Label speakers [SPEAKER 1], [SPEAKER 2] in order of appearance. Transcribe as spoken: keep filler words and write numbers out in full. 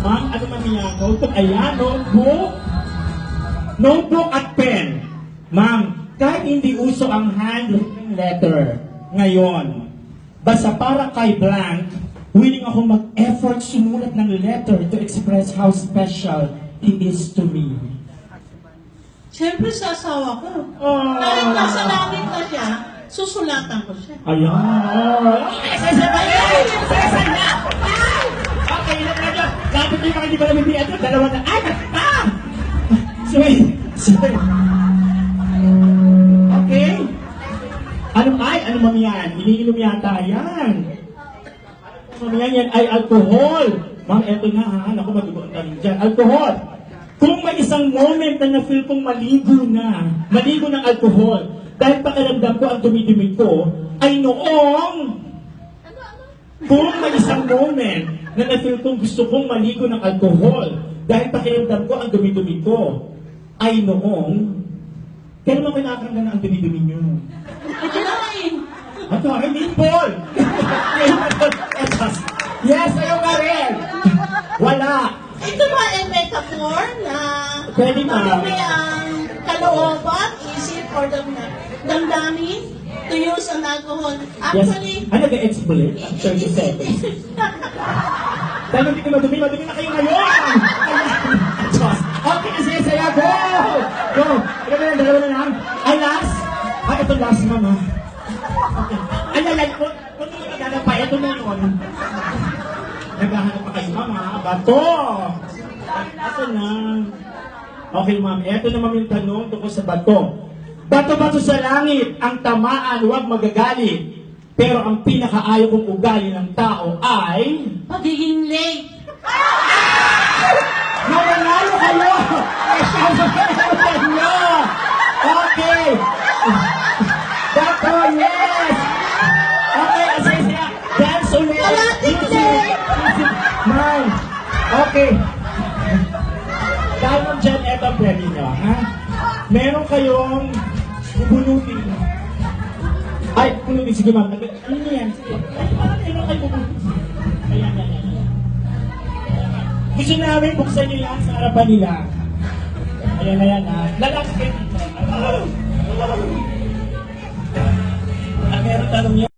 [SPEAKER 1] Ma'am, ano man niya notebook? Ayan, notebook. Notebook at pen. Ma'am, kahit hindi uso ang handwritten letter ngayon, basta para kay blank, willing ako mag-effort sumulat ng letter to express how special he is to me.
[SPEAKER 2] Siyempre sa asawa ko.
[SPEAKER 1] Oh.
[SPEAKER 2] Kahit nasa langit na siya, susulatan ko siya.
[SPEAKER 1] Ayan. Okay, sasabayan! Sasabayan! Okay, ilan na dyan. Dapat yung mga hindi pa namin di ito. Dalawa na. Ay! Ah! Sorry. Sorry. Okay. Ano ay? Ano mami yan? Iniinom yata yan. Ano mami yan? Yan ay alcohol. Ma'am, eto na ha. Naku, matugoan ka rin dyan. Alcohol. Kung may isang moment na na-feel kong maligo na, maligo ng alcohol, dahil pakiramdam ko ang dumi-dumi ko, ay noong, kung may isang moment na na-feel kong gusto kong maligo ng alcohol, dahil pakiramdam ko ang dumi-dumi ko, ay noong, kailan mo kinakanggan na ang dumi-dumi nyo?
[SPEAKER 2] Ito na eh.
[SPEAKER 1] Ito, ay, Nimble! Yes, ayaw ka rin! Wala!
[SPEAKER 2] Ito ba ay metaphor na
[SPEAKER 1] Pwede ma.
[SPEAKER 2] marumi ang kalooban, isip, or dam damdamin to use an alcohol? Actually,
[SPEAKER 1] Yes. Ano ga-explain? Ang thirty seconds. Dahil hindi ko madumi, madumi na kayo ngayon! Diyos. Okay, kasi saya, go! Go! Ito na lang, dalawa na lang. Ay, last? Ay, ito last, mama. Okay. Ay, ay, ay, kung kung hindi magagana pa, ito na yun. Naghahanap pa kayo, mama. Bato! Ito na. Okay, ma'am. Ito naman yung tanong tungkol sa bato. Bato-bato sa langit, ang tamaan, huwag magagalit. Pero ang pinakaayaw kong ugali ng tao ay...
[SPEAKER 2] pagiging late.
[SPEAKER 1] Nananalo kayo! Nananalo nyo! Okay! Bato, yes! Okay, kasi siya. Dance ulit!
[SPEAKER 2] Kalating late!
[SPEAKER 1] Ma'am! Okay. Dahil mo dyan, eto ang premyo nyo, ha? Meron kayong bubunutin. Ay, bubunutin. Sige, ma'am. Ano nyo yan? Sige. Ay, parang meron kayo bubunutin. Ayan, ayan, ayan. Gusto namin buksan nyo yan sa harapan nila. Ayan, ayan, ha? Lalaki kayo dito. At meron tanong niya.